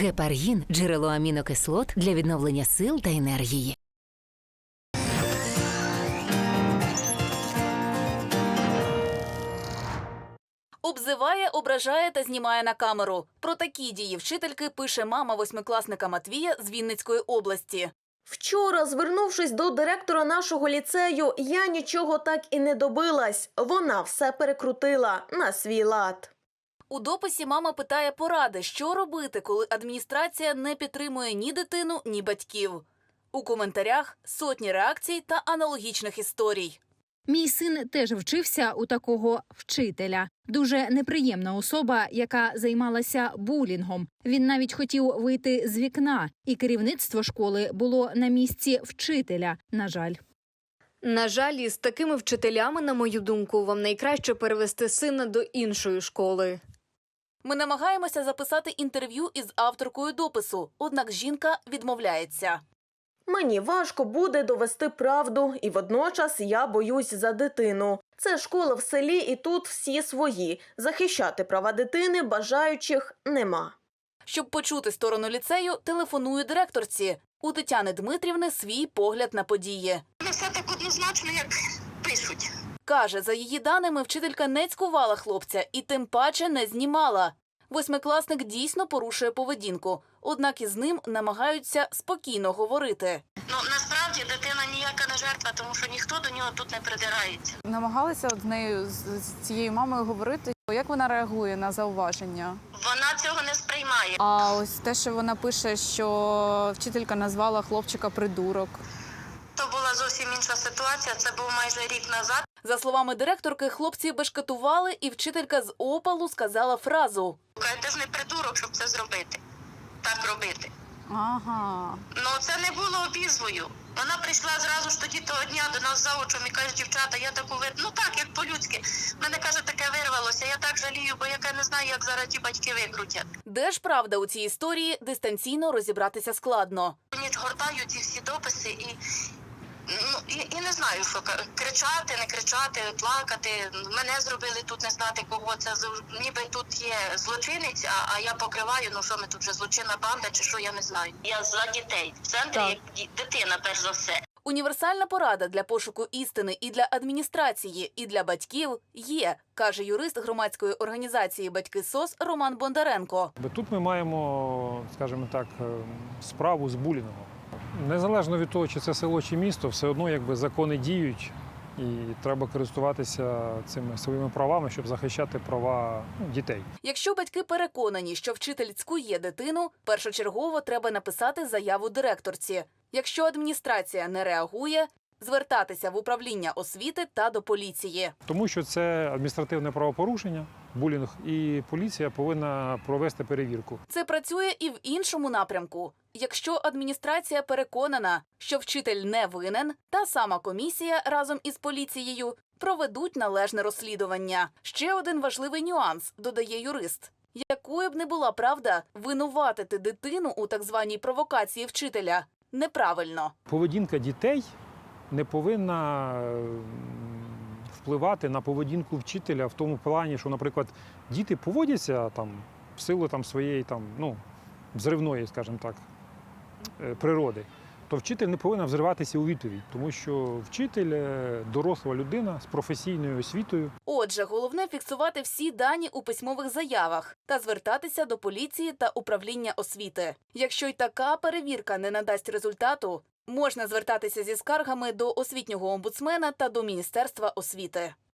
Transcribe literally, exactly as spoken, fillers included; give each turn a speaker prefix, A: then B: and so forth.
A: Гепаргін – джерело амінокислот для відновлення сил та енергії.
B: Обзиває, ображає та знімає на камеру. Про такі дії вчительки пише мама восьмикласника Матвія з Вінницької області.
C: Вчора, звернувшись до директора нашого ліцею, я нічого так і не добилась. Вона все перекрутила на свій лад.
B: У дописі мама питає поради, що робити, коли адміністрація не підтримує ні дитину, ні батьків. У коментарях сотні реакцій та аналогічних історій.
D: Мій син теж вчився у такого вчителя. Дуже неприємна особа, яка займалася булінгом. Він навіть хотів вийти з вікна, і керівництво школи було на місці вчителя, на жаль.
E: На жаль, із такими вчителями, на мою думку, вам найкраще перевести сина до іншої школи.
B: Ми намагаємося записати інтерв'ю із авторкою допису, однак жінка відмовляється.
C: Мені важко буде довести правду, і водночас я боюсь за дитину. Це школа в селі, і тут всі свої. Захищати права дитини бажаючих нема.
B: Щоб почути сторону ліцею, телефоную директорці. У Тетяни Дмитрівни свій погляд на події.
F: Не все так однозначно, як пишуть.
B: Каже, за її даними, вчителька не цькувала хлопця і тим паче не знімала. Восьмикласник дійсно порушує поведінку, однак із ним намагаються спокійно говорити.
F: Ну, насправді, дитина ніяка не жертва, тому що ніхто до нього тут не придирається.
G: Намагалися з нею, з з цією мамою говорити, як вона реагує на зауваження.
F: Вона цього не сприймає.
G: А ось те, що вона пише, що вчителька назвала хлопчика придурок.
F: То була зовсім інша ситуація, це був майже рік назад.
B: За словами директорки, хлопці бешкетували, і вчителька з опалу сказала фразу.
F: Ти ж не придурок, щоб це зробити. Так робити.
G: Ага.
F: Ну, це не було обізвою. Вона прийшла зразу ж тоді того дня до нас заочом і каже, дівчата, я таку вир... Ну так, як по-людськи. Мене, каже, таке вирвалося. Я так жалію, бо яка не знаю, як зараз ті батьки викрутять.
B: Де ж правда у цій історії, дистанційно розібратися складно.
F: Ніч гортаю ці всі дописи і, ну, і, і не знаю, що кричати, не кричати, плакати. Мене зробили тут не знати кого. Це ніби тут є злочинець, а, а я покриваю, ну що ми тут вже злочинна банда чи що, я не знаю. Я за дітей. В центрі
G: Так.
F: як дитина, перш за все.
B: Універсальна порада для пошуку істини і для адміністрації, і для батьків є, каже юрист громадської організації «Батьки СОС» Роман Бондаренко.
H: Тут ми маємо, скажімо так, справу з булінгом. Незалежно від того, чи це село, чи місто, все одно якби закони діють, і треба користуватися цими своїми правами, щоб захищати права, ну, дітей.
B: Якщо батьки переконані, що вчитель цькує дитину, першочергово треба написати заяву директорці. Якщо адміністрація не реагує, звертатися в управління освіти та до поліції.
H: Тому що це адміністративне правопорушення, булінг, і поліція повинна провести перевірку.
B: Це працює і в іншому напрямку. Якщо адміністрація переконана, що вчитель не винен, та сама комісія разом із поліцією проведуть належне розслідування. Ще один важливий нюанс, додає юрист. Якою б не була правда, винуватити дитину у так званій провокації вчителя неправильно.
H: Поведінка дітей не повинна впливати на поведінку вчителя в тому плані, що, наприклад, діти поводяться там в силу там своєї там, ну, взривної, скажімо так, природи, то вчитель не повинен взриватися у відповідь, тому що вчитель – доросла людина з професійною освітою.
B: Отже, головне фіксувати всі дані у письмових заявах та звертатися до поліції та управління освіти. Якщо й така перевірка не надасть результату, можна звертатися зі скаргами до освітнього омбудсмена та до Міністерства освіти.